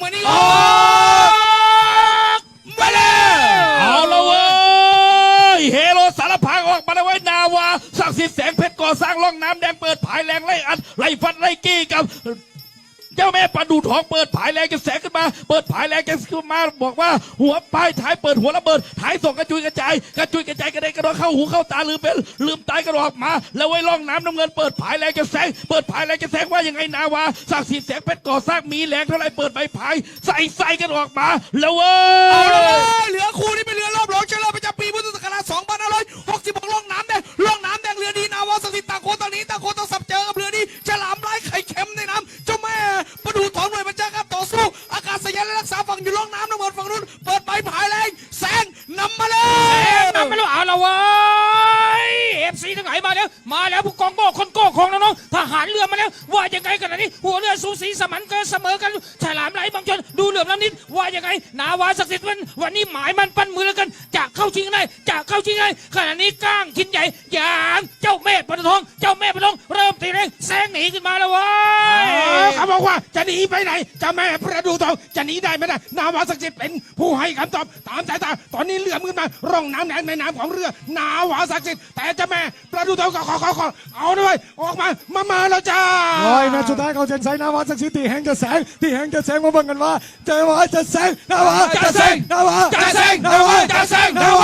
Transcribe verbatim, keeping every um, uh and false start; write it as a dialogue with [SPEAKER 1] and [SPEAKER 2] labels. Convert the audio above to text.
[SPEAKER 1] มือนนี้
[SPEAKER 2] ออกมาแล้วเอาละเว้ยเฮโร่สารพังออกมาแล้วไว้นาวาศักดิ์สิทธิ์แสงเพชรก่อสร้างร่องน้ำแดงเปิดผายแรงไล่อัดไล่ฟัดไล่กี้กับเจ้าแม่ปลาดูทองเปิดผายแรงจะแสงขึ้นมาเปิดผายแรงจะขึ้นมาบอกว่าหัวป้ายท้ายเปิดหัวระเบิดท้ายส่งกระจุยกระจายกระจุยกระจายกระเด็นกระโดดเข้าหูเข้าตาลืมเป็นลืมตายกระโดดออกมาแล้วไว้ร่องน้ำน้ำเงินเปิดผายแรงจะแสงเปิดผายแรงจะแสงว่ายังไงนาวาศักดิ์สิทธิ์แสงเพชรก่อสร้างมีแรงเท่าไรเปิดใบผายใส่ใส่กันออกมาแล้วเว้ย
[SPEAKER 1] เอาละเว้ยเหลือคู่นี้เป็นเรือรอบรองเชลเลอร์ประจำปีพุทธศักราชสองพันห้าร้อยหกสิบหกล่องน้ำแดงล่องน้ำแดงเรือดีนาวาศักดิ์สิทธิ์ต่างคนต่างนี้ต่างคนต่างสับเจอกับเรือดีฉลามไร้ไข่เค็มในน้ำเจ้าแม่ประดูถอนหน่วยบัญชาการต่อสู้อากาศยานและรักษาฝั่งอยู่ล่องน้ำน้ำเงินฝั่งนู้นเปิดใบผายแรงแซงนำมาเลย
[SPEAKER 3] นำไปแล้วเอาละเว้ยเอฟซีทั้งหลายมาแล้วมาแล้วผู้กองโบ้คนโก้ของน้องๆทหารเรือมาแล้วว่ายังไงกันนี้หัวเรือสูสีสมันเกินเสมอกันฉลามไหลบางชนดูเหลื่อมล้ำนิดว่ายังไงนาวาศักดิ์สิทธิ์วันวันนี้หมายมันปั้นมือแล้วกันจะเข้าชิงได้จะเข้าชิงได้ขณะนี้ก้างชิ้นใหญ่อย่างเจ้าแม่ปนทองเจ้าแม่ปนทองเริ่มตีแรงแซงหนีขึ้นมาแล้วเว้ย
[SPEAKER 4] เขาบอกว่าจะหนีไปไหนจะแม่ประดูทองจะหนีได้ไม่ได้นาวาศักดิ์สิทธิ์เป็นผู้ให้คำตอบตามสายตาตอนนี้เรือมือมาร่องน้ำแดงในน้ำของเรือนาวาศักดิ์สิทธิ์แต่เจะแม่ประดูทองก็ขอขอขอเอาด้วยออกมามามาแล้วจ้า
[SPEAKER 5] โอ้ยแม่สุดท้ายเขาเจนไซนาวาศักดิ์สิทธิ์ที่แห่งจะแสงที่แห่งจะแสงมาเบิ่งกันว่าเจอว่าจะแสงนาวาจะแสงนาวาจะแสงนาวาจะแสงนาวา